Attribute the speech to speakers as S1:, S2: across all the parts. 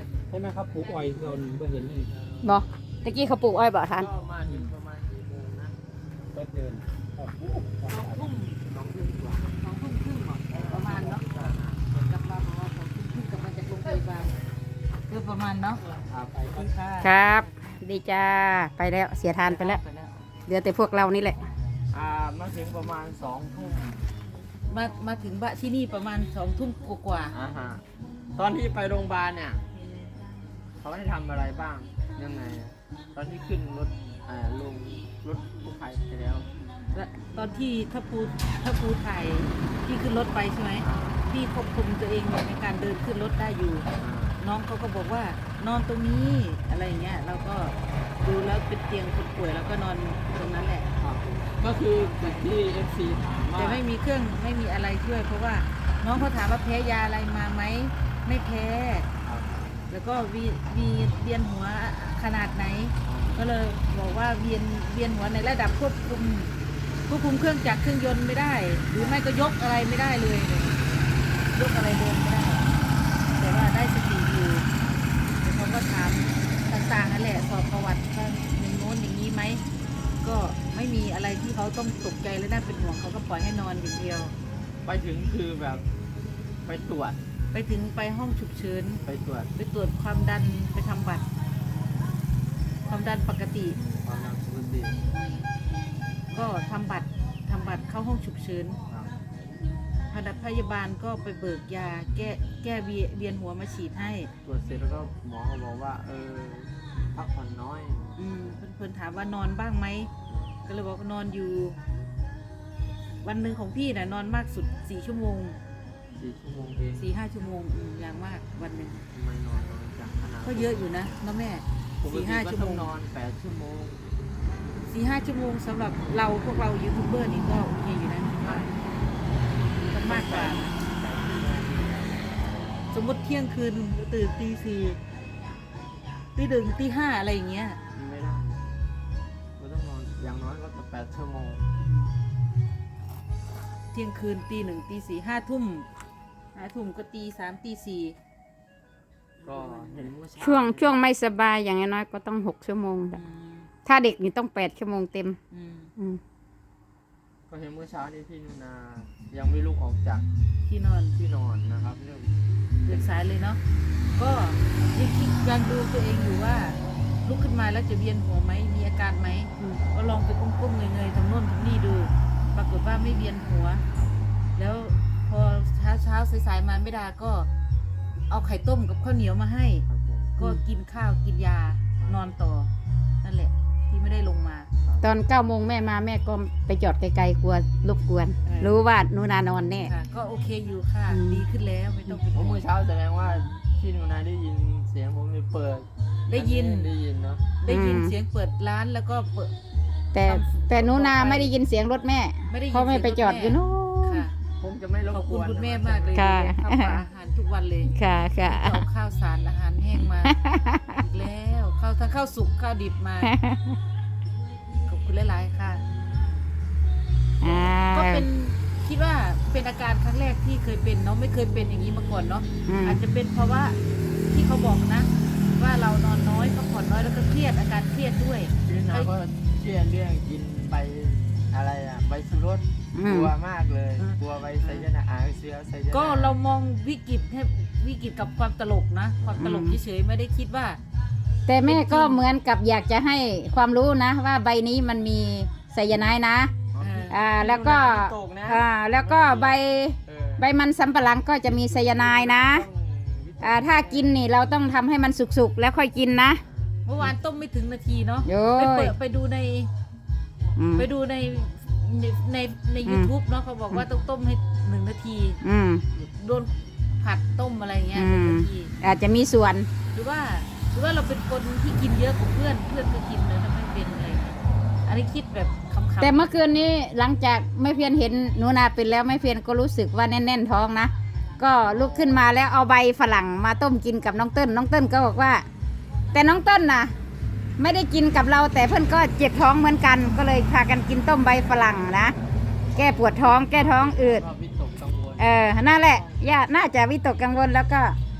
S1: ใช่ไหมครับปลูกอ้อยเราหนึ่งเห็นนี่
S2: บ่ตะกี้เขาปลูกอ้อยบ่ทัน
S3: ก็มาถึงประมาณกี่โมงนะ
S1: ก็เดิน
S2: 2 ทุ่ม
S3: 2 ทุ่มกว่า
S2: 2 ทุ่มครึ่งประมาณเนาะกลับมาประมาณ2 ทุ่มครึ่งกลับมาจากโรงพยาบาลคือประมาณเนาะ
S1: ไปก็
S2: ครับดีจ้าไปแล้วเสียทานไปแล้วเหลือแต่พวกเรานี่แหละ
S3: มาถึงประมาณ2 ทุ่ม
S2: มาถึงบ้านที่นี่ประมาณ2 ทุ่มกว่า
S3: ฮะตอนที่ไปโรงพยาบาลเนี่ยเขาได้ทำอะไรบ้างยังไงอะตอนที่ขึ้นรถลงรถกู้ภัยไปแล้ว
S2: ตอนที่ถ้าปูถ่ายที่ขึ้นรถไปใช่ไหมพี่ควบคุมตัวเองในการเดินขึ้นรถได้อยู่ น้องเขาก็บอกว่านอนตรงนี้อะไรอย่างเงี้ยเราก็ดูแล้วเป็นเตียงคนป่วยแล้วก็นอนตรงนั้นแหละ
S3: ก็คือจากที่ FC ถามว่า
S2: แต่ไม่มีเครื่องไม่มีอะไรช่วย เพราะว่าน้องเขาถามว่าแพ้ยาอะไรมาไหมไม่แพ้ แล้วก็เวียนหัวขนาดไหน ก็เลยบอกว่าเวียนหัวในระดับควบคุมเครื่องจักรเครื่องยนต์ไม่ได้ หรือไม่ก็ยกอะไรไม่ได้เลยยกอะไรเดินไม่ได้ แต่ว่าได้สติอยู่แต่เขาก็ถามต่างๆนั่นแหละสอบประวัติว่าอย่างโน้นอย่างนี้ไหมก็ไม่มีอะไรที่เขาต้องตกใจและน่าเป็นห่วงเขาก็ปล่อยให้นอนอย่างเดียว
S3: ไปถึงคือแบบไปตรวจ
S2: ไปถึงไปห้องฉุกเฉิน
S3: ไปตรวจ
S2: ไปตรวจความดันไปทำบัตร ความดันปกติ
S3: ความดันปกติ
S2: ก็ทำบัตรเข้าห้องฉุกเฉิน
S3: ครับ
S2: พยาบาลก็ไปเบิกยาแก้เวียนหัวมาฉีดให้
S3: ตรวจเสร็จแล้วก็หมอก็บอกว่าพักผ่อนน้อย
S2: เพื่อนถามว่านอนบ้างไหมก็เลยบอกว่านอนอยู่ วันหนึ่งของพี่น่ะนอนมากสุด4 ชั่วโมง
S3: 4 ชั่วโมงเอง
S2: 4-5 ชั่วโมงอย่างมากวันหนึ่ง
S3: ทำไมนอนน้อยจังขนาด
S2: ก็เยอะอยู่นะน้าแม่
S3: ปกติ
S2: 4-5
S3: ก็
S2: ชั่ว
S3: ต้
S2: โม
S3: อง
S2: ง
S3: นอน8 ชั่วโมง
S2: 4-5 ชั่วโมงสำหรับพวกเรายูทูบเบอร์นี่ก็โอเคอยู่นะมันมากกว่านะสมมติเที่ยงคืนตื่นตี 4ตี 1ตี 5อะไรอย่างเงี้ย
S3: ไม่ได้ก็ต้องนอนอย่างน้อยก็8 ชั่วโมง
S2: เที่ยงคืนตี 1ตี 4 5 ทุ่มก็ตี 3ตี 4
S3: ก็เห็นเมื่อเช้า
S2: ช่วงไม่สบายอย่างน้อยก็ต้อง6 ชั่วโมงถ้าเด็กนี่ต้อง8 ชั่วโมงเต็ม
S3: ก็เห็นเมื่อเช้านี้พี่นุนายังไม่ลุกออกจาก
S2: ที่นอน
S3: ที่นอนนะครับเรื่อง
S2: เดินสายเลยเนาะก็ยังดูตัวเองอยู่ว่าลุกขึ้นมาแล้วจะเวียนหัวไหมมีอาการไหมก็ลองไปก้มๆเงยๆทำโน่นทำนี่ดู ปรากฏว่าไม่เวียนหัว แล้วพอเช้าสายๆมาไม่ได้ก็เอาไข่ต้มกับข้าวเหนียวมาให้
S3: ครับผม
S2: ก็กินข้าวกินยานอนต่อนั่นแหละที่ไม่ได้ลงมา
S4: ตอน9 โมงแม่มาแม่ก็ไปจอดไกลๆกลัวรบกวน รู้ว่าหนูนานอนแน่
S2: ค่ะก็โอเคอยู่ค่ะ ดีขึ้นแล้วไม่ต้องเป็น
S3: เพ
S2: ห่
S3: ราะ
S2: ว
S3: เมื่
S2: ง
S3: อเช้าแสดงว่าพี่นุนาได้ยินเสียงผมเปิด
S2: ได้ยิน
S3: ได้ยินเนาะ
S2: ได้ยินเสียงเปิดร้านแล้วก็เปิด
S4: แต่หนูนาไม่ได้ยินเสียงรถแม่
S2: ไม่ได้ยิน
S4: เพราะแม่ไปจอดอยู่นู้น
S2: ค่ะ
S3: ผมจะไม่รบ
S2: ขอบ
S3: ก
S2: คุณ
S3: วน
S2: คุณแม่
S3: นะ
S2: มากเลย
S4: ค่ะ
S2: ข้าวปลาอาหารทุกวันเลย
S4: ค่ะค่ะ
S2: เอาข้าวสารอาหารแห้งมาอีกแล้วทั้งข้าวสุกข้าวดิบมาขอบคุณหลายๆค่ะ
S4: อ่า
S2: ก็เป็นคิดว่าเป็นอาการครั้งแรกที่เคยเป็นเนาะไม่เคยเป็นอย่างนี้มาก่อนเนาะ อาจจะเป็นเพราะว่าที่เขาบอกนะ ว่าเรานอนน้อยพักผ่อนน้อยแล้วก็เครียดอาการเครียดด้วย
S3: พี่นุนาก็เชื่อเรื่องกินไปอะไรใบสุรสกลัวมากเลย กลัวใบไซยานาเสือไซยานา
S2: ก็เรามองวิกฤตให้วิกฤตกับความตลกนะ ความตลกเฉยๆไม่ได้คิดว่า
S4: แต่แม่ก็เหมือนกับอยากจะให้ความรู้นะ ว่าใบนี้มันมีไซยาไนด์นะ แล้วก็
S3: ตกนะ
S4: แล้วก็ใบ
S3: เออ
S4: ใบมันสำปะหลังก็จะมีไซยาไนด์นะ ถ้ากินนี่เราต้องทำให้มันสุกๆแล้วค่อยกินนะ
S2: เมื่อวานต้มไม่ถึงนาทีเนาะ
S4: โย้ย
S2: ไปดูใน
S4: อืม
S2: ไปดูใน YouTube เนาะเขาบอกว่าต้องต้มให้1 นาที
S4: อืม
S2: โดนผัดต้มอะไรเงี้ย
S4: อืม
S2: 1 นาที
S4: อาจจะมีส่วน
S2: หรือว่าเราเป็นคนที่กินเยอะกว่าเพื่อนก็กินเลยถ้าไม่เป็นอะไรเงี้ยอันนี้คิดแบบคำๆ
S4: แต่เมื่อคืนนี้หลังจากไม่เพียนเห็นหนูนาเป็นแล้วไม่เพียนก็รู้สึกว่าแน่นๆท้องนะ ก็ลุกขึ้นมาแล้วเอาใบฝรั่งมาต้มกินกับน้องเติ้ลก็บอกว่า แต่น้องเติ้ลนะไม่ได้กินกับเราแต่เพื่อนก็เจ็บท้องเหมือนกัน ก็เลยพากันกินต้มใบฝรั่งนะแก้ปวดท้องแก้ท้องอืด
S3: ก็วิตกกังวล
S4: นั่นแหละย่าน่าจะวิตกกังวลแล้วก็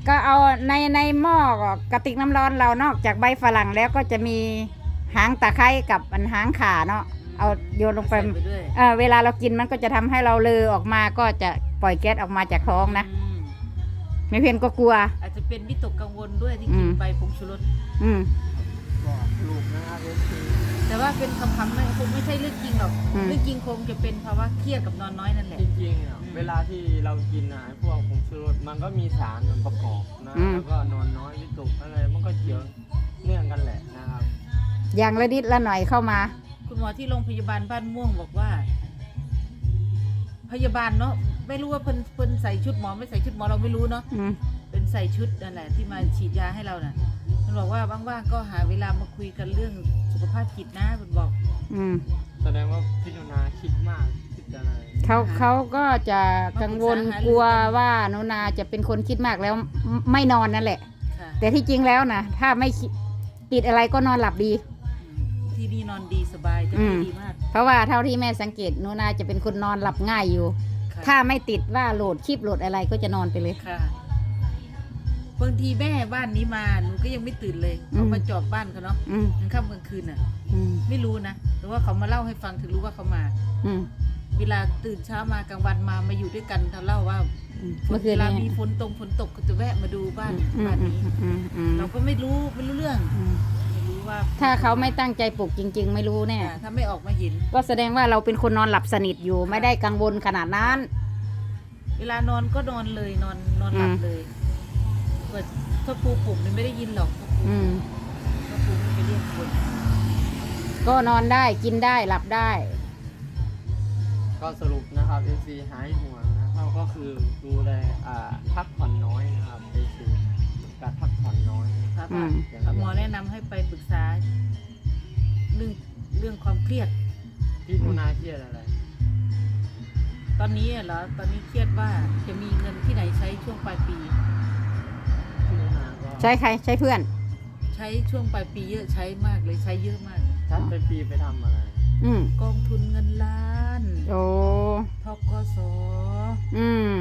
S4: ก็เอาในหม้อกระติกน้ำร้อนเรานอกจากใบฝรั่งแล้วก็จะมีหางตะไคร้กับอันหางข่าเนาะเอาโยนลงไป
S2: ใส่ด้วย
S4: เวลาเรากินมันก็จะทำให้เราเลอออกมาก็จะปล่อยแก๊สออกมาจากท้องนะ
S2: อืม
S4: ไม่เพียนก็กลัว
S2: อาจจะเป็นวิตกกังวลด้วยที่
S4: อื
S2: กิน
S4: ม
S2: ไปผงชูรส
S4: อืม
S3: บอกลูกนะครับเอฟซี
S2: แต่ว่าเป็นคำๆไม่คงไม่ใช่เรื่องจริงหรอก
S4: อืม
S2: เรื่องจริงคงจะเป็นภาวะเครียดกับนอนน้อยนั่นแหละ
S3: จริงๆอ่ะเวลาที่เรากินอ่ะไอ้พวกผงชูรสมันก็มีสารประกอบนะแล้วก็นอนน้อยวิตกอะไรมันก็เกี่ยวเนื่องกันแหละนะครับ
S4: อย่างละนิดละหน่อยเข้ามา
S2: คุณหมอที่โรงพยาบาลบ้านม่วงบอกว่า พยาบาลเนาะไม่รู้ว่าเพิ่นใส่ชุดหมอไม่ใส่ชุดหมอเราไม่รู้เนาะ
S4: อืม
S2: เป็นใส่ชุดนั่นแหละที่มาฉีดยาให้เราน่ะมันบอกว่าว่างๆก็หาเวลามาคุยกันเรื่องสุขภาพจิตนะมันบอก
S4: อืม
S3: แสดงว่าพี่นุนาคิดมากคิดอะไร
S4: เขาก็จะกังวลกลัวว่าหนูนาจะเป็นคนคิดมากแล้วไม่นอนนั่นแหละ
S2: ค่ะ
S4: แต่ที่จริงแล้วนะถ้าไม่คิดติดอะไรก็นอนหลับดี
S2: ที่นี่นอนดีสบายจะ
S4: อืม
S2: ดีมาก
S4: เพราะว่าเท่าที่แม่สังเกตหนูนาจะเป็นคนนอนหลับง่ายอยู่
S2: ค่ะ
S4: ถ้าไม่ติดว่าโหลดคลิปโหลดอะไรก็จะนอนไปเลย
S2: ค่ะบางทีแม่บ้านนี้มาหนูก็ยังไม่ตื่นเลย
S4: อืม
S2: เขามาจอบบ้านเขาเนาะ
S4: อืม
S2: กลางค่ำกลางคืนน่ะ
S4: อืม
S2: ไม่รู้นะแต่ว่าเขามาเล่าให้ฟังถึงรู้ว่าเขามา
S4: อืม
S2: เวลาตื่นเช้ามากลางวันมาอยู่ด้วยกันเขาเล่าว่า
S4: อืมเมื่อคืน
S2: เวลา
S4: นี้
S2: มีฝนตกก็จะแวะมาดูบ้าน
S4: อืม
S2: บ้านนี้
S4: อืมอืม
S2: เราก็ไม่รู้เรื่อง
S4: อืม
S2: ไม่รู้ว่า
S4: ถ้าเขาไม่ตั้งใจปลุกจริง ๆ ไม่รู้แน่
S2: ถ้าไม่ออกมาเห็น
S4: ก็แสดงว่าเราเป็นคนนอนหลับสนิทอยู่ ไม่ได้กังวลขนาดนั้น
S2: เวลานอนก็นอนเลยนอนหลับเลยเปิดถ้าปูปลุกนี่ไม่ได้ยินหรอก
S4: อืม
S2: ถ้าปูไม่ไปเรียกคน
S4: ก็นอนได้กินได้หลับได้
S3: ก็สรุปนะครับเอฟซีหายห่วงนะครับก็คือดูแลพักผ่อนน้อยนะครับเอฟซีการพักผ่อนน้อย
S2: ครับ
S4: อืม
S2: หมอแนะนำให้ไปปรึกษาเรื่องความเครียด
S3: พี่นุนาเครียดอะไร
S2: ตอนนี้เหรอตอนนี้เครียดว่าจะมีเงินที่ไหนใช้ช่วงปลายปี
S3: พี่นุนาก็
S4: ใช้ใครใช้เพื่อน
S2: ใช้ช่วงปลายปีเยอะใช้มากเลยใช้เยอะมาก
S3: ชัดไปปีไปทำอะไร
S4: อืม
S2: กองทุนเงินล้าน
S4: โอ้
S2: ทกส
S4: อืม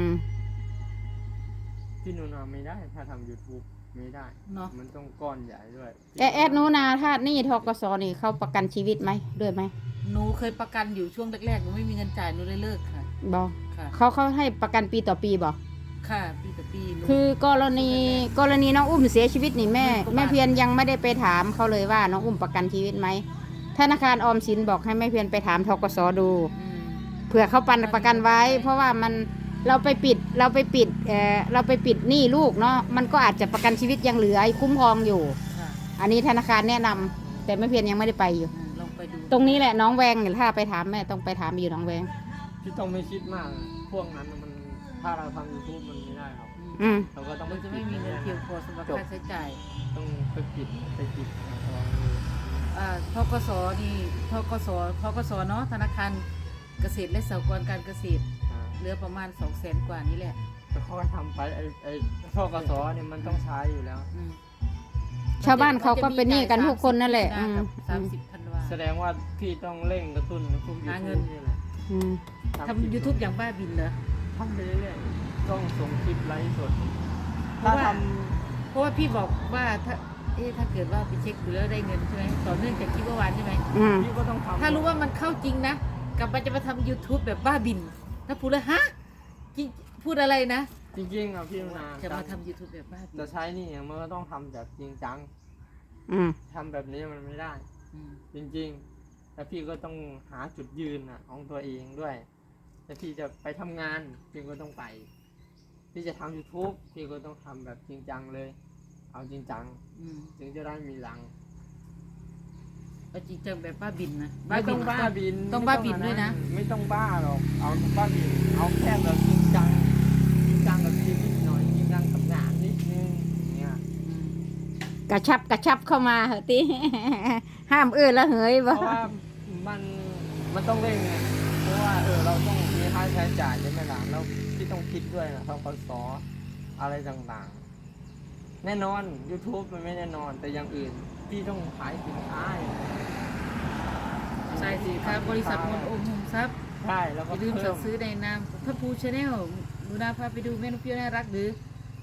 S3: พี่นุนาไม่ได้ถ้าทำ YouTube ไม่ได้
S2: เนาะ
S3: มันต้องก้อนใหญ่ด้วย
S4: แอดหนูนาถ้านี่ทกสนี่เขาประกันชีวิตไหมด้วยไหม
S2: หนูเคยประกันอยู่ช่วงแรกๆหนูไม่มีเงินจ่ายหนูเลยเลิกค่ะ
S4: บอก
S2: ค่ะ
S4: เขาให้ประกันปีต่อปีบอก
S2: ค่ะปีต่อปีหนู
S4: คือกรณีน้องอุ้มเสียชีวิตนี่แม่
S2: หมื่นกว่าบาท
S4: แม่เพียรยังไม่ได้ไปถามเขาเลยว่าน้องอุ้มประกันชีวิตไหมธนาคารออมสินบอกให้แม่เพียรไปถามทกสดู
S2: อืม
S4: เผื่อเขาปันประกันไว้ เพราะว่ามันเราไปปิดหนี้ลูกเนาะมันก็อาจจะประกันชีวิตยังเหลือคุ้มครองอยู่
S2: ค่ะ
S4: อันนี้ธนาคารแนะนำแต่แม่เพียรยังไม่ได้ไปอยู่
S2: ลองไปดู
S4: ตรงนี้แหละน้องแวงเนี่ยถ้าไปถามแม่ต้องไปถามอยู่น้องแวง
S3: พี่ต้องไม่คิดมากนะพวกนั้นมันถ้าเราทำ YouTube มันไม่ได้ครับ
S4: อืม
S3: เราก็ต้อง
S2: มันจะไม่มีเงินเพียงพอสำหรับค่าใช้จ่าย
S3: ต้องไปปิดนะครับ
S2: ทกสนี่ทกสเนาะธนาคารเกษตรและสหกรณ์การเกษตรเหลือประมาณ 200,000 กว่านี่แหละ
S3: แต่เขาก็ทำไปไอ้ทกสเนี่ยมันต้องใช้อยู่แล้ว
S2: อืม
S4: ชาวบ้านเขาก็เป็นหนี้กันทุกคนนั่นแหละ
S2: 30
S4: อืม
S2: 30ธันวา
S3: แสดงว่าพี่ต้องเร่งกระตุ้นพวก
S2: หา
S3: YouTube
S2: เงิน
S3: นี่แหละ
S4: อืม
S2: ทำ YouTube อย่างบ้าบินเหรอ
S3: ทำไปเรื่อยๆต้องส่งคลิปไลฟ์สด
S2: เพ
S3: ถ้า
S2: ราะว่า
S3: ท
S2: เพราะว่าพี่บอกว่าถ้าเกิดว่าไปเช็คดูแล้วได้เงินใช่ไหมต่อเนื่องจากคลิปเมื่อวานใช่ไหม
S4: อืม
S3: ำพี่ก็ต้องทำ
S2: ถ้ารู้ว่ามันเข้าจริงนะกลับมาจะมาทำ YouTube แบบบ้าบิน ถ้าพูดเลยฮะจริงพูดอะไรนะ
S3: จริงๆอ่ะพี่นุนา
S2: จะมาทำ YouTube แบบบ้าบิน
S3: จะใช้นี่มันก็ต้องทำแบบจริงจัง
S4: อืม
S3: ทำแบบนี้มันไม่ได้
S2: อืม
S3: จริงๆ แล้วพี่ก็ต้องหาจุดยืนของตัวเองด้วยแต่พี่จะไปทำงานพี่ก็ต้องไป พี่จะทำ YouTube พี่ก็ต้องทำแบบจริงจังเลย เอาจริงจัง
S2: อืม
S3: ถึงจะได้มีหลัง
S2: เอาจริงจังแบบบ้าบินนะ
S3: ไม่ต้องบ้าบิน
S2: ต้องบ้าบินด้วยนะ
S3: ไม่ต้องบ้าหรอก เอาบ้าบิน เอาแค่แบบจริงจัง จริงจังกับชีวิตหน่อย จริงจังกับงานนิดนึงอย่างเนี่ย
S2: อืม
S4: กระชับเข้ามาเหอะติ ห้ามแล้วเหย
S3: เพ
S4: บ่
S3: ราะว่ามันต้องเร่งไงเพราะว่าเราต้องมีค่าใช้จ่ายใช่ไหมล่ะแล้วพี่ต้องคิดด้วยนะทกสอะไรต่างๆ แน่นอน YouTube มันไม่แน่นอน แต่อย่างอื่นพี่ต้องขายสินค้า
S2: ใช่สิครับบริษัทมนต์โอมโฮมทรัพย์
S3: ใช่แล้ว
S2: อ
S3: ก็
S2: ย่าลืม
S3: เพิ่
S2: สั่
S3: ม
S2: งซื้อในนามพระภูชาแนลดูนาพาไปดูแม่นกเปรี้ยวน่ารักหรือ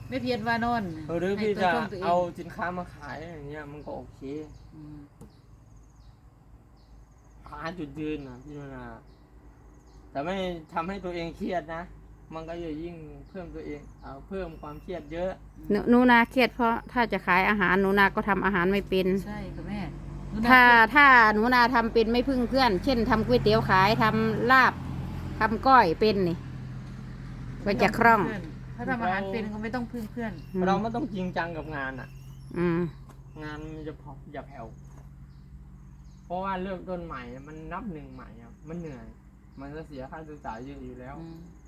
S2: ไม่เพียนว่านอน
S3: หรือพี่
S2: ให้
S3: จะ
S2: ตัวช่องตัวง
S3: เอาสินค้ามาขายอย่างเงี้ยมันก็โอเค
S2: อืม
S3: หาจุดยืนนะพี่นุนาแต่ไม่ทำให้ตัวเองเครียดนะ มันก็จะยิ่งเพิ่มตัวเองเพิ่มความเครียดเยอะ
S4: หนูนาเครียดเพราะถ้าจะขายอาหารหนูนาก็ทำอาหารไม่เป็น
S2: ใช่ค่ะแม่
S4: ถ้าหนูนาทำเป็นไม่พึ่งเพื่อน เช่นทำก๋วยเตี๋ยวขายทำลาบทำก้อยเป็นนี่ก็จะคล่อง
S2: ถ้าทำอาหารเป็นก็ไม่ต้องพึ่งเพื่อน
S3: เราไม่ต้องจริงจังกับงานอ่ะ
S4: อืม
S3: งานมันจะพออย่าแผ่วเพราะว่าเริ่มต้นใหม่มันนับหนึ่งใหม่อะมันเหนื่อย มันจะเสียค่าใช้จ่ายเยอะอยู่แล้ว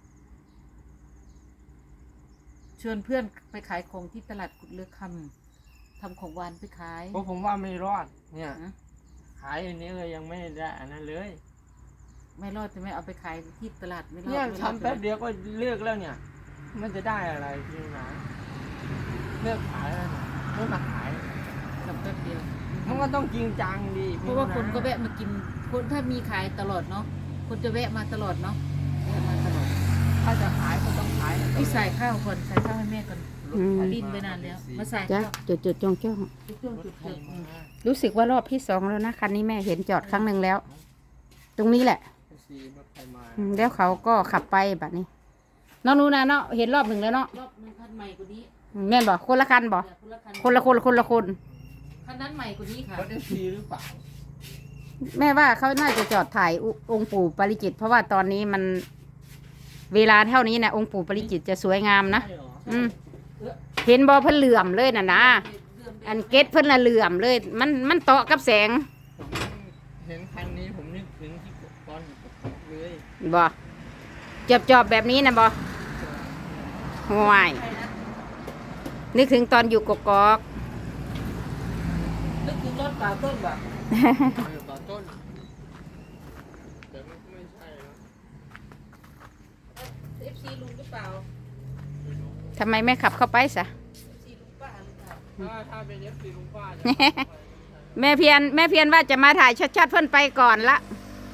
S2: ชวนเพื่อนไปขายของที่ตลาดกุดเลือกคำทำของหวานไปขาย
S3: เพราะผมว่าไม่รอด เนี่ย
S2: ฮะ
S3: ขายอันนี้เลยยังไม่ได้อันนั้นเลย
S2: ไม่รอดจะไม่เอาไปขายที่ตลาดไม่รอด
S3: เนี่ย
S2: ไม่รอด
S3: ทำแป๊บเดียวก็เลิกแล้วเนี่ย มันจะได้อะไรพี่นะเลิกขายแล้วเนี่ยไม่มาขาย
S2: ทำแป๊บเดียว
S3: มันก็ต้องจริงจังดี
S2: เพราะว่าคนก็แวะมากินคนถ้ามีขายตลอดเนาะคนจะแวะมาตลอดเนาะแวะมาตลอด
S3: ถ้าจะขายก็ต้องขาย
S2: พี่ใส่ข้าวก่อนใส่ข้าวให้แม่ก่อน ดิ้นไปนานแล้วมาใส่
S4: จ้ะ
S2: ข้าว
S4: จุดจ้อง
S2: จุดจุด
S3: รถไถ
S2: จุด
S3: มา
S4: รู้สึกว่ารอบที่สองแล้วนะคันนี้แม่เห็นจอดครั้งหนึ่งแล้ว ตรงนี้แหละ
S3: ซีรถไถมา
S4: แล้วเขาก็ขับไปแบบนี้น้องหนูนาเนาะเห็นรอบหนึ่งแล้วเนาะ
S2: รอบนึงคันใหม่กว่านี้
S4: แม่นบอกคนละคันบอก
S2: คนละคัน
S4: คนละคน
S2: คันนั้นใหม่กว่านี้ค่ะ
S3: รถซีหรือเปล่า
S4: แม่ว่าเขาน่าจะจอดถ่ายองค์ปู่ปาริจิต เพราะว่าตอนนี้มันเวลาเท่านี้นะองค์ปู่ปาริจิตจะสวยงามนะ
S3: ใช่เหรอ
S4: อืมเห็นบอเพิ่นเหลื่อมเลยน่ะนะอันเกตเพิ่นละเหลื่อมเลย มันเตาะกับแสง
S3: ผมเห็นคันนี้ผมนึกถึงที่ตอนอยู่กับผมเลย
S4: บอจอบแบบนี้นะบอห่วยนึกถึงตอนอยู่กกอก
S2: นึกถึงรถเปล่าต้นแบบ
S3: ตอนต้นแต่มันก็ไม่ใช่แล้ว
S2: FC ลุงหรือเปล่า
S4: ทำไมไม่ขับเข้าไปซะ
S2: FC ลุงป้าหรือเปล่า
S3: ถ้าเป็นเอฟซีลุงป้าจะ
S4: แม่เพียนว่าจะมาถ่ายชัดๆเพิ่นไปก่อนละ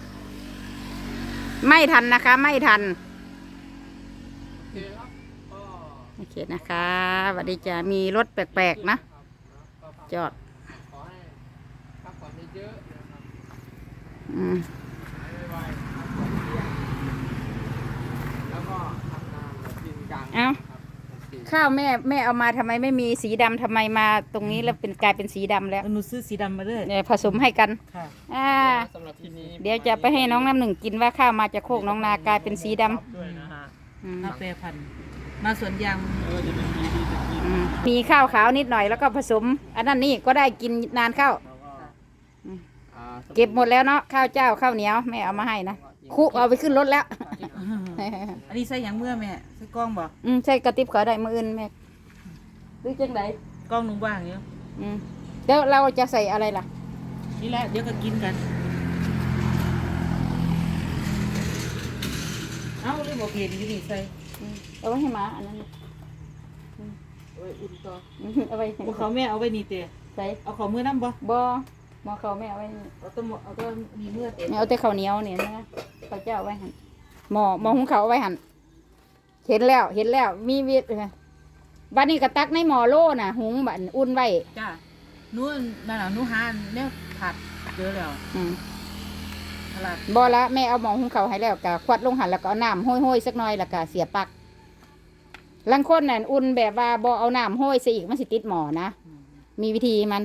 S4: ไม่ทันนะคะ ไม่ทัน
S3: โอเคครับก็
S4: โอเคนะคะสวัสดีจ้ามีรถแปลกๆนะ จอด
S3: ขอให้พักผ่อนเยอะๆนะครับ
S4: อืม
S3: หายไวๆพักผ่อนเยอะแล้วก็ทำงานแบบจริงจัง
S4: เอ้า
S3: ครับโอเค
S4: ข้าวแม่เอามาทำไมไม่มีสีดำทำไมมาตรงนี้แล้วกลายเป็นสีดำแล้ว
S2: หนูซื้อสีดำมาด้วย
S4: เนี่ยผสมให้กัน
S2: ค่ะ
S3: สำหรับที่นี้
S4: เดี๋ยวจะไปให้น้องน้ำหนึ่งกินว่าข้าวมาจากโคกน้องนากลายเป็นสีดำ
S3: ด้วยนะฮะ
S4: อืม
S2: มาแปรพันธุ์มาสวนยาง
S3: จะเป็นปีที่จะกิน
S4: อืมมีข้าวขาวนิดหน่อยแล้วก็ผสม อันนั้นนี่ก็ได้กินนานเข้า
S3: แล้วก็อ่า
S4: เก็บหมดแล้วเนาะข้าวเจ้าข้าวเหนียวแม่เอามาให้นะคุเอาไปขึ้นรถแล้ว
S2: อันนี้ใส่หยังเมื่อแม่ใส่กล้องบ่
S4: ใช่กระติบขอได้มืออื่นแม่หรือจังได
S2: กล้องหนูว่างอยู่
S4: แล้วเราจะใส่อะไรล่ะ
S2: นี่แหละเดี๋ยวก็กินกัน เอ้าเลยบอกเห็นอยู่นี่ใส่
S4: เอาไว้ให้หมาอันนั้น
S2: เอาไว้อุ่นต่อ
S4: เอาไว้ให้
S2: เอาเขาแม่เอาไว้นี่เตะ
S4: ใส่
S2: เอาเขามือน้ำบ่
S4: บ่หมอเขาแม่เอาไว้นี่
S2: เอาตัวมีเมื่อเตะ
S4: เอาแต่ข้าวเหนียวเนี่ยนะข้าวเจ้าเอาไว้หันหม้อหุงข้าวเอาไว้หันเห็นแล้วมีวิทย์บัดนี้ก็ตักในหม้อโล่น่ะ หุงบัดอุ่นไว้
S2: จ้านู่นนั่นน่ะนู่นหาเนี่ยผัดเจอแล้ว
S4: อืม
S2: ตลาด
S4: บ่ละแม่เอาหม้อหุงข้าวให้แล้วก็ควัดลงหันแล้วก็เอาน้ำห้อยๆสักหน่อยแล้วก็เสียบปลั๊กลังคนน่ะอุ่นแบบว่าบ่เอาน้ำห้อยซะอีกมันสิติดหม้อนะมีวิธีมัน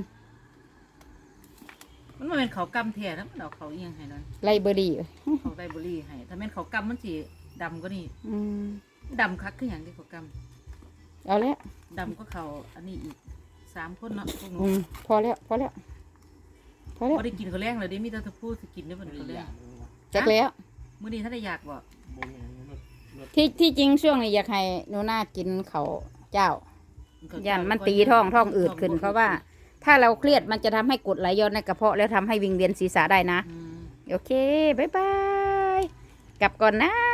S2: มันบ่แม่นเขากำแท้นะมันเอาเขาเอียงให้หน่อย
S4: ไลเบอรี่
S2: เขาไดเบอรี่ให้ถ้าแม่นเขากำมันสิดำก็นี่
S4: อืม
S2: ดำคักคือหยังที่เขาก
S4: เอาแล้ว
S2: ำดำก็เขาอันนี้อีก3คนเนาะพวกหนู
S4: พอแล้ว
S2: บ่ได้กินเขาวแรงเลยเด้มีแต่ตะพูสิกินได้บ่เขาวแรง
S4: จักแล้ว
S2: มื้อนี้ถ้าได้อยากบ่
S4: ที่จริงช่วงนี้อยากให้หนูนากินเขาวเจ้าย่านมันตีท้องอืดขึ้น เพราะว่า ถ้าเราเครียดมันจะทำให้กรดไหลย้อนในกระเพาะแล้วทำให้วิงเวียนศีรษะได้นะ
S2: อืม
S4: โอเค บ๊ายบาย กลับก่อนนะ